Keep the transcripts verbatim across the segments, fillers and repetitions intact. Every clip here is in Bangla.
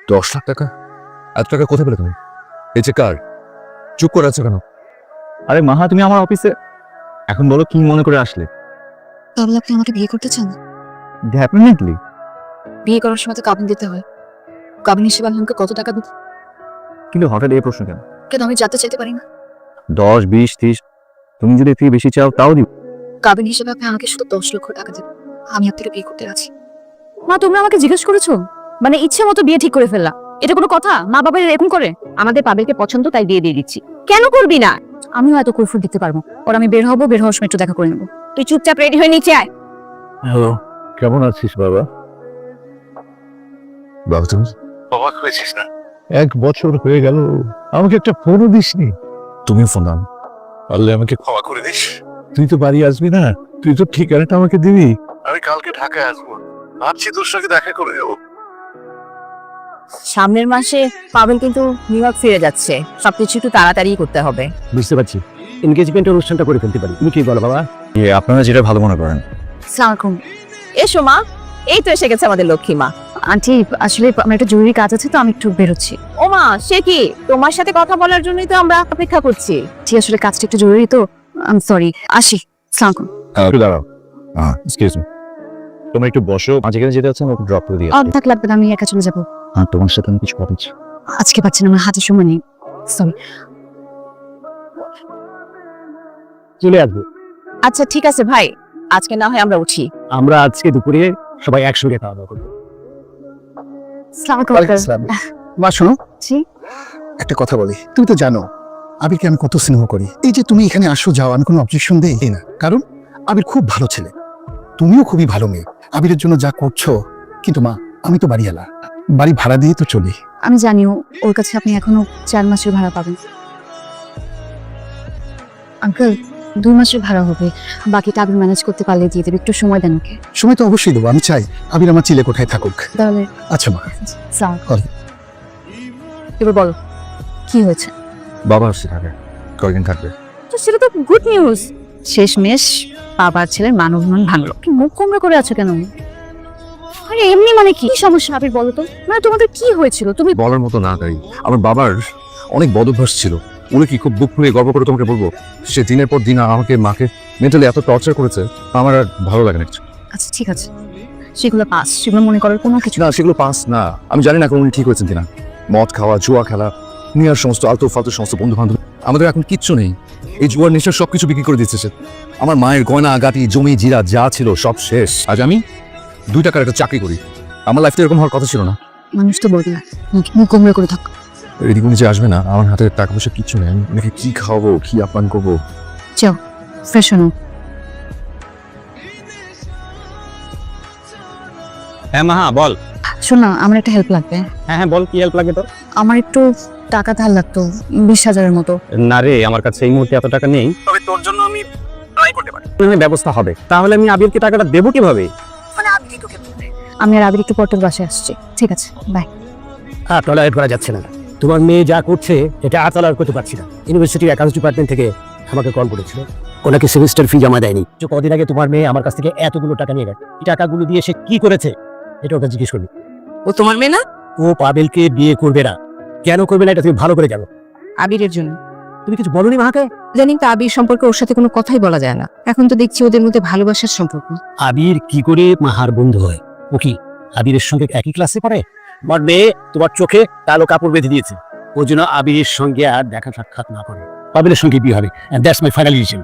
দশ লাখ টাকা? এত টাকা কোথায় পেলে তুমি? এই যে কার, চুপ করে আছো কেন? আরে মাহা, তুমি আমার অফিসে, এখন বলো কি মনে করে আসলে? তাহলে আপনি আমাকে বিয়ে করতে চান? ডেফিনেটলি। বিয়ে করার সময় তো কাবিন দিতে হয়। কাবিন হিসেবে আমি আমাকে কত টাকা দিতে? কিন্তু হঠাৎ এই প্রশ্ন কেন? কেন আমি যাতে চাইতে পারি না? দশ বিশ ত্রিশ, তুমি যদি এর থেকে বেশি চাও তাও দিব। কাবিন হিসেবে আপনি আমাকে শুধু দশ লক্ষ টাকা দেবেন, আমি আপনাকে বিয়ে করতে আছি। মা, তোমরা আমাকে জিজ্ঞেস করেছো? মানে ইচ্ছে মতো বিয়ে ঠিক করে ফেললা, এটা কোনো কথা? মা বাবা এরকম করে? আমাদের পাবেলকে পছন্দ, তাই বিয়ে দিয়ে দিচ্ছি। কেন করবি না? আমিও এত কৈফিয়ত দিতে পারবো? ওর আমি বের হবো, বের হওয়ার সময় একটু দেখা করে নেবো। তুই চুপচাপ রেডি হয়ে নিচে আয়। হ্যালো, কেমন আছিস বাবা? বাবা তুমি অবাক হয়েছিস না? এক বছর হয়ে গেল, আমাকে একটা ফোনও দিসনি। তুমিও ফোন দাও। পারলে আমাকে ক্ষমা করে দিস। তুই তো বাড়ি আসবি না, তুই তো ঠিকানাটা আমাকে দিবি। আমি কালকে ঢাকায় আসবো, ভাবছি তোর সঙ্গে দেখা করে যাবো। সামনের মাসে পাবেল কিন্তু নিউ ইয়র্ক ফিরে যাচ্ছে, সবকিছু একটু তাড়াতাড়ি করতে হবে। বুঝতে পারছি, এনগেজমেন্টের অনুষ্ঠানটা করে ফেলতে পারি। তুমি কি বলো বাবা? আপনারা যেটা ভালো মনে করেন। আসসালামু আলাইকুম। এসো মা, এই তো এসে গেছে আমাদের লক্ষ্মী মা। আন্টি, আসলে আমার একটা জরুরি কাজ আছে, তো আমি একটু বেরোচ্ছি। ও মা, সে কি? তোমার সাথে কথা বলার জন্যই তো আমরা অপেক্ষা করছি। জি, আসলে কাজটা একটু জরুরি, তো আই সরি। আসি। আসসালামু আলাইকুম। একটু দাঁড়াও, এক্সকিউজ মি, তোমরা একটু বসো। আজ যেখানে যেতে হচ্ছে আমাকে ড্রপ করে দিয়ে আর থাক লাগবে না, আমি একা চলে যাবো। হ্যাঁ, তোমার সাথে আমি কিছু কথা বলছি। আজকে পাচ্ছি না, আমার হাতে সময় নেই। সরি। চলে আসবো। আচ্ছা ঠিক আছে ভাই, আজকে না হয় আমরা উঠি। আমরা আজকে দুপুরে সবাই একসঙ্গে খাওয়া দাওয়া করবো। আসসালামু আলাইকুম। মা শোনো, জি। একটা কথা বলি। তুমি তো জানো আবিরকে আমি কত স্নেহ করি। এই যে তুমি এখানে আসো যাও, আমি কোনো অবজেকশন দেই না, কারণ আবির খুব ভালো ছেলে, তুমিও খুবই ভালো মেয়ে। আবিরের জন্য যা করছো, কিন্তু মা আমি তো বাড়িওয়ালা, বাড়ি ভাড়া দিয়ে তো চলি। আমি জানিও ওর কাছে আপনি এখনো চার মাসের ভাড়া পাবেন। আঙ্কেল, দুই মাসের ভাড়া হবে, বাকিটা আবির ম্যানেজ করতে পারলে দিয়ে দেবে। একটু সময় দেন ওকে। সময় তো অবশ্যই দেবো, আমি চাই আবির আমার চিলে কোঠায় থাকুক। তাহলে আচ্ছা মা। স্যার, বলো। এবার বলো কি হয়েছে? বাবা আসছে ঢাকায়, কয়েকদিন থাকবে। তো সেটা তো গুড নিউজ। শেষমেশ বাবার ছেলের মান অভিমান ভাঙলো। কি মুখ কুমড়া করে আছো কেন? আরে এমনি মানে কি সমস্যা আবির, বলো তো। মানে তোমাদের কি হয়েছিল? তুমি বলার মতো না তাই। আমার বাবার অনেক বদ অভ্যাস ছিল। উনি কি খুব বুক ফুলিয়ে গর্ব করে তোমাকে বলবো, সে দিনের পর দিন আমাকে মাকে মেন্টালি এত টর্চার করেছে, আমার আর ভালো লাগে না কিছু। আচ্ছা ঠিক আছে, সেগুলো পাস, সেগুলো মনে করার কোনো কিছু না, সেগুলো পাস না। আমি জানি না এখন উনি ঠিক হয়েছেন কিনা। মদ খাওয়া, জুয়া খেলা, নিয়ার সমস্ত আলতু ফালতু সমস্ত বন্ধু বান্ধব, আমাদের এখন কিচ্ছু নেই। এই জুয়ার নেশার সবকিছু বিক্রি করে দিচ্ছে সে। আমার মায়ের গয়না গাটি, জমি জিরা যা ছিল সব শেষ। আজ আমি দুই টাকার একটা চাকরি করি। আমার লাইফটা এরকম হওয়ার কথা ছিল না। মানুষ তো বলবে না, মুখ- মুখ কুমড়া করে থাক। এদিকে উনি যে আসবে না, আমার হাতে টাকা পয়সা কিচ্ছু নেই। আমি ওনাকে কি খাওয়াবো, কি আপ্যায়ন করবো? যাও ফ্রেশ হনো। হ্যাঁ মাহা বল। শোন না, আমার একটা হেল্প লাগবে। হ্যাঁ হ্যাঁ বল, কি হেল্প লাগবে তোর? আমার একটু টাকা ধার লাগতো, বিশ হাজারের মতো। না রে, আমার কাছে এই মুহূর্তে এত টাকা নেই, তবে তোর জন্য আমি ট্রাই করতে পারি। ব্যবস্থা হবে। তাহলে আমি আবিরকে টাকাটা দেবো কিভাবে? আমি আর আবির একটু পটল বাসায় আসছি। ঠিক আছে, বাই। হ্যাঁ, টলারেট করা যাচ্ছে না। তোমার মেয়ে যা করছে এটা আর টলারেট করতে পারছি না। ইউনিভার্সিটির অ্যাকাউন্টস ডিপার্টমেন্ট থেকে আমাকে কল করেছিল, ওনাকে সেমিস্টার ফি জমা দেয়নি। তো কদিন আগে তোমার মেয়ে আমার কাছ থেকে এতগুলো টাকা নিয়ে গেছে। এই টাকাগুলো দিয়ে সে কি করেছে এটা ওকে জিজ্ঞেস করবি। ও তোমার মেয়ে না? ও পাবেলকে বিয়ে করবে না। কেন করবে না এটা তুমি ভালো করে জানো। আবিরের জন্য। তুমি কিছু বলনি মাকে? জানিন তো আবির সম্পর্কে ওর সাথে কোনো কথাই বলা যায় না। এখন তো দেখছি ওদের মধ্যে ভালোবাসার সম্পর্ক। আবির কি করে মাহার বন্ধু হয়? ও কি আবিরের সঙ্গে একই ক্লাসে পড়ে? তোমার মেয়ে তোমার চোখে কালো কাপড় বেঁধে দিয়েছে, ওর জন্য আবিরের সঙ্গে আর দেখা সাক্ষাৎ না করে পাবেলের সঙ্গে বিয়ে হবে। That's my final decision.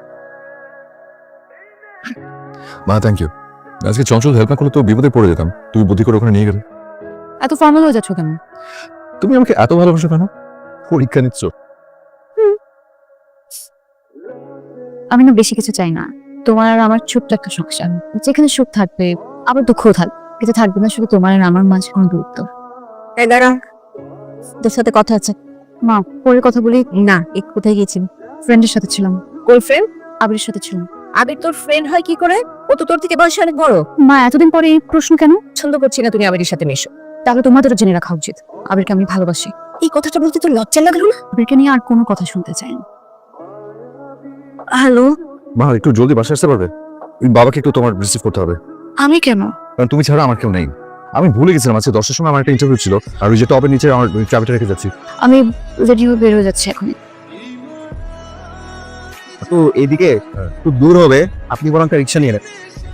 মা থ্যাংক ইউ। আজকে চঞ্চল হেল্প না করলে তো বিপদে পড়ে যেতাম। তুমি বুদ্ধি করে ওখানে নিয়ে গেলে। এত ফর্মাল হয়ে যাচ্ছ কেন? তুমি আমাকে এত ভালোবাসো কেন? পরীক্ষা নিচ্ছ? আমি না বেশি কিছু চাই না। তোমার আর আমার ছোট্ট একটা সংসার, যেখানে সুখ থাকবে আবার দুঃখও থাকবে, কিন্তু থাকবে না শুধু তোমার আর আমার মাঝে কোনো দূরত্ব। এই দাঁড়া, তোর সাথে কথা আছে। মা, পরে কথা বলি। না, এক কোথায় গেছিলি? ফ্রেন্ডের সাথে ছিলাম। গার্লফ্রেন্ড? আবিরের সাথে ছিলাম। আবির তোর ফ্রেন্ড হয় কি করে? ও তো তোর থেকে বয়সে অনেক বড়। মা, এতদিন পরে এই প্রশ্ন কেন? পছন্দ করছি না তুমি আবিরের সাথে মেশো। তাহলে তোমাদেরও জেনে রাখা উচিত আবিরকে আমি ভালোবাসি। এই কথাটা বলতে তোর লজ্জা লাগলো না? আবিরকে নিয়ে আর কোনো কথা শুনতে চাই না। হ্যালো। মা একটু জলদি বাসায় আসতে পারবে? ওই বাবাকে একটু তোমার রিসিভ করতে হবে, আমি কেন? কারণ তুমি ছাড়া আমার কেউ নেই। আমি ভুলে গেছিলাম আজকে দশটার সময় আমার একটা ইন্টারভিউ ছিল আর ওই যে টপের নিচে আমার চাবিটা রেখে যাচ্ছি। আমি রেডি হয়ে বের হয়ে যাচ্ছি এখন। তো এইদিকে একটু দূর হবে, আপনি বরং একটা রিক্সা নিয়ে নেন।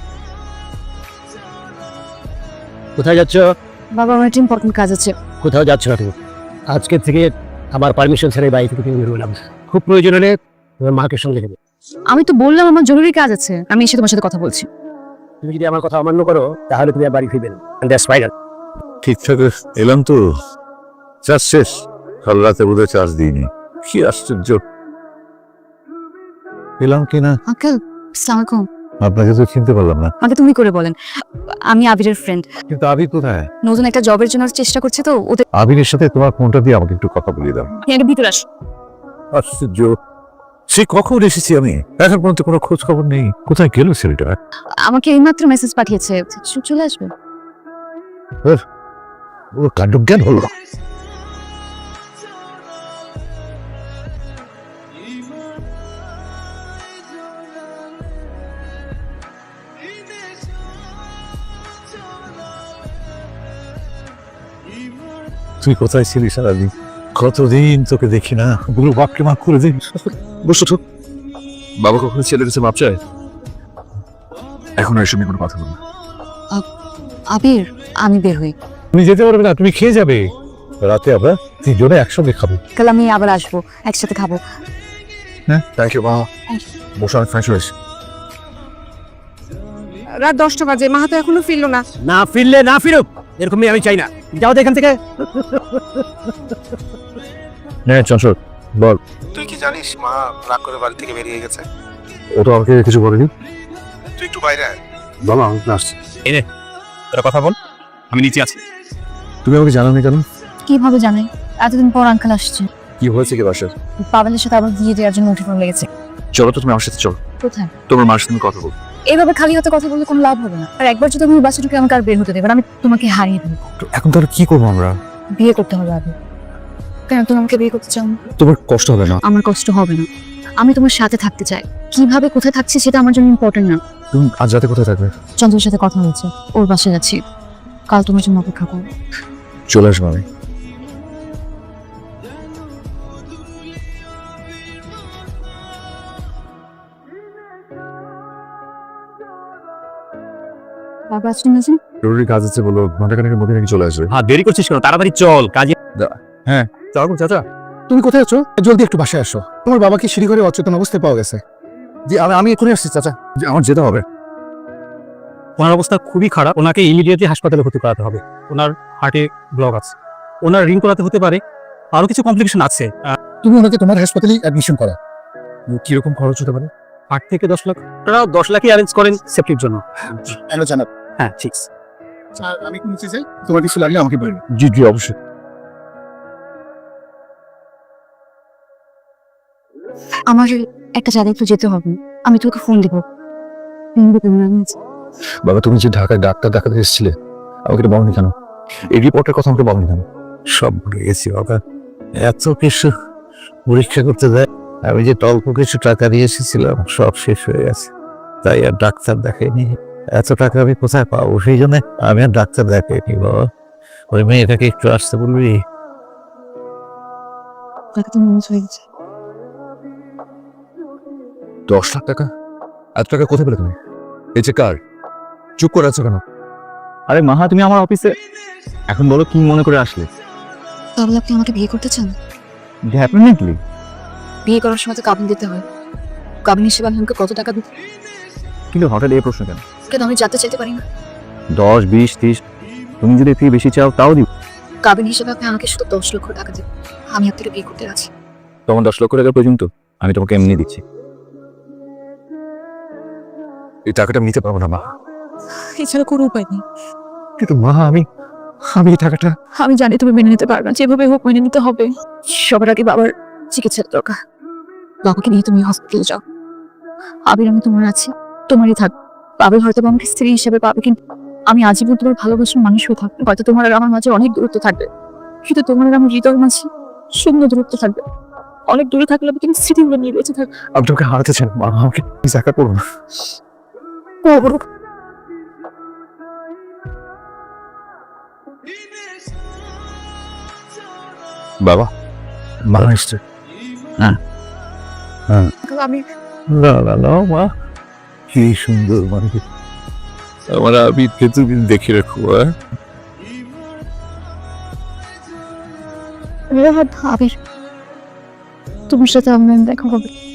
কোথায় যাচ্ছ? বাবা আমার একটা ইম্পর্টেন্ট কাজ আছে। কোথাও যাচ্ছ না তুমি? আজকে থেকে আমার পারমিশন ছাড়াই বাড়ি থেকে তুমি বেরোলাম। খুব প্রয়োজন হলে তোমার মাকে সঙ্গে নেবে। আমি তো বললাম আমার জরুরি কাজ আছে, আমি এসে তোমার সাথে কথা বলছি। তুমি যদি আমার কথা অমান্য করো তাহলে তুমি আর বাড়ি ফিরবে না। That's final. ঠিকঠাক এলাম তো, চার্জ শেষ। কাল রাতে বোধহয় চার্জ দিইনি, কি আশ্চর্য। এলাম কিনা আঙ্কেল আসসালামু আলাইকুম। আপনাকে তো চিনতে পারলাম না। আমাকে তুমি করে বলেন, আমি আবিরের ফ্রেন্ড। কিন্তু আবির কোথায়? নতুন একটা জবের জন্য চেষ্টা করছে তো ওদের। আবিরের সাথে তোমার ফোনটা দিয়ে আমাকে একটু কথা বলিয়ে দাও। এর ভিতরে আস। আশ্চর্য, সে কখন এসেছি আমি, এখন পর্যন্ত কোনো খোঁজ খবর নেই। কোথায় গেল ছেলেটা? আমাকে এইমাত্র মেসেজ পাঠিয়েছে, চ- চলে আসবে। ও কাণ্ডজ্ঞান হলো। তুই কোথায় ছিলি সারাদিন? কতদিন তোকে দেখি না, বুড়ো বাপকে মাফ করে দিন। বসো তো। বাবা কখনো ছেলের কাছে মাপ চায়? এখন আর এসব নিয়ে কোনো কথা বলবো না। আবির আমি বের হই, তুমি যেতে পারবে না, তুমি খেয়ে যাবে। রাতে আমরা তিনজনে একসঙ্গে খাবো। কাল আমি আবার আসবো, একসাথে খাবো। হ্যাঁ থ্যাংক ইউ মা। বসে অনেক ফ্রেশ হয়েছে। রাত দশটা বাজে, মাহা তো এখনো ফিরলো না। না ফিরলে না ফিরুক, এরকমই আমি চাই না। যাও তো এখান থেকে। হ্যাঁ চঞ্চল বল। তুই কি জানিস মা রাগ করে বাড়ি থেকে বেরিয়ে গেছে? ও তো আমাকে কিছু বলেনি। তুই একটু বাইরে আয়। বাবা আমি আসছি। তোরা কথা বল, আমি নিচে আছি। তুমি আমাকে জানানি কেন? কিভাবে জানেন? এতদিন পর আঙ্কেল আসছে। কি হয়েছে কি বাসার? পাবেলের সাথে আবার বিয়ে দেওয়ার জন্য উঠে পড়ে লেগেছে। চলো তো তুমি আমার সাথে চলো। কোথায়? তোমার মার সাথে কথা বল। এইভাবে খালি হাতে কথা বললে কোনো লাভ হবে না। আর একবার যদি আমি বাসা ঢুকে আমাকে আর বের হতে দেবে না, আমি তোমাকে হারিয়ে দেবো। এখন তাহলে কি করবো আমরা? বিয়ে করতে হবে আগে। কেন তুমি আমাকে বিয়ে করতে চাও না? তোমার কষ্ট হবে না? আমার কষ্ট হবে না। আমি তোমার সাথে থাকতে চাই। কিভাবে কোথায় থাকছি সেটা আমার জন্য ইম্পর্টেন্ট না। তুমি আজ রাতে কোথায় থাকবে? চন্দ্রের সাথে কথা হয়েছে, ওর বাসায় যাচ্ছি। কাল তোমার জন্য অপেক্ষা করবো। চলে আসবো আমি। বাবা আসছেন না? জরুরি কাজ আছে বলো, ঘন্টা খানেকের মধ্যে নাকি চলে আসবে। হ্যাঁ দেরি করছিস কেন? তাড়াতাড়ি চল কাজে। চলো চাচা। তুমি কোথায় আছো? জলদি একটু বাসায় আসো। তোমার বাবাকে সিঁড়ি করে অচেতন অবস্থায় পাওয়া গেছে। জি আমি আমি এখনই আসছি চাচা। জি, আমার যেতে হবে। ওনার অবস্থা খুবই খারাপ, ওনাকে ইমিডিয়েটলি হাসপাতালে ভর্তি করাতে হবে। ওনার হার্টে ব্লক আছে, ওনার রিং করাতে হতে পারে, আরো কিছু কমপ্লিকেশন আছে। তুমি ওনাকে তোমার হাসপাতালে অ্যাডমিশন করো। কিরকম খরচ হতে পারে? আট থেকে দশ লাখ। আপনারা দশ লাখই অ্যারেঞ্জ করেন সেফটির জন্য। হ্যালো জানাব। হ্যাঁ ঠিক। আর আমি কি নিচে যাই? তোমার কিছু লাগলে আমাকে বলবে। জি জি অবশ্যই। আমার একটা জায়গায় একটু যেতে হবে, আমি তোকে ফোন দেবো। বাবা তুমি যে ঢাকায় ডাক্তার দেখাতে এসেছিলে, আমাকে এটা বলনি কেন? এই রিপোর্টের কথা আমাকে বলনি কেন? সব ভুলে গেছি বাবা, এত কিছু পরীক্ষা করতে দেয়। আমি যে অল্প কিছু টাকা দিয়ে এসেছিলাম সব শেষ হয়ে গেছে, তাই আর ডাক্তার দেখাইনি। এত টাকা আমি কোথায় পাবো? সেই জন্য আমি আর ডাক্তার দেখাইনি বাবা। ওই মেয়েটাকে একটু আসতে বলবি? দশ লাখ টাকা? এত টাকা কোথায় পেলে তুমি? এই যে কার? চুপ করে আছো কেন? আরে মাহা তুমি আমার অফিসে, এখন বলো কি মনে করে আসলে? তাহলে আপনি আমাকে বিয়ে করতে চান? ডেফিনেটলি। বিয়ে করার সময় তো কাবিন দিতে হয়। কাবিন হিসেবে আমি আমাকে কত টাকা দিতে? কিন্তু হঠাৎ এই প্রশ্ন কেন? কেন আমি যাতে চাইতে পারি না? দশ বিশ ত্রিশ, তুমি যদি ফি বেশি চাও তাও দিব। কাবিন হিসেবে আপনি আমাকে শুধু দশ লক্ষ টাকা দিন, আমি আপনাকে বিয়ে করতে রাজি। তোমার দশ লক্ষ টাকা পর্যন্ত আমি তোমাকে এমনি দিচ্ছি। এই টাকাটা আমি নিতে পারবো না মা। এছাড়া কোনো উপায় নেই। কিন্তু মা আমি আমি এই টাকাটা। আমি জানি তুমি মেনে নিতে পারবে না, যেভাবে হোক মেনে নিতে হবে। সবার আগে বাবার চিকিৎসার দরকার। বাবাকে নিয়ে তুমি হসপিটালে যাও। আবির আমি তোমার আছি, তোমারই থাক। বাবা হয়তো আমাকে স্ত্রী হিসেবে পাবে, কিন্তু আমি আজীবন তোমার ভালোবাসার মানুষ হয়ে থাকবে। হয়তো তোমার আর আমার মাঝে অনেক দূরত্ব থাকবে, কিন্তু তোমার আর আমার হৃদয়ের মাঝে শূন্য দূরত্ব থাকবে। অনেক দূরে থাকলে কিন্তু স্মৃতিগুলো নিয়ে বেঁচে থাকবে। আমি তোমাকে হারাতে চাই না মা, আমাকে দেখা করবো না। বাবা মা এসছে। আমি না না না মা, কি সুন্দর মানে আমার আবিরকে তুমি দেখে রাখো। হ্যাঁ আবির তোমার সাথে আমার দেখা হবে।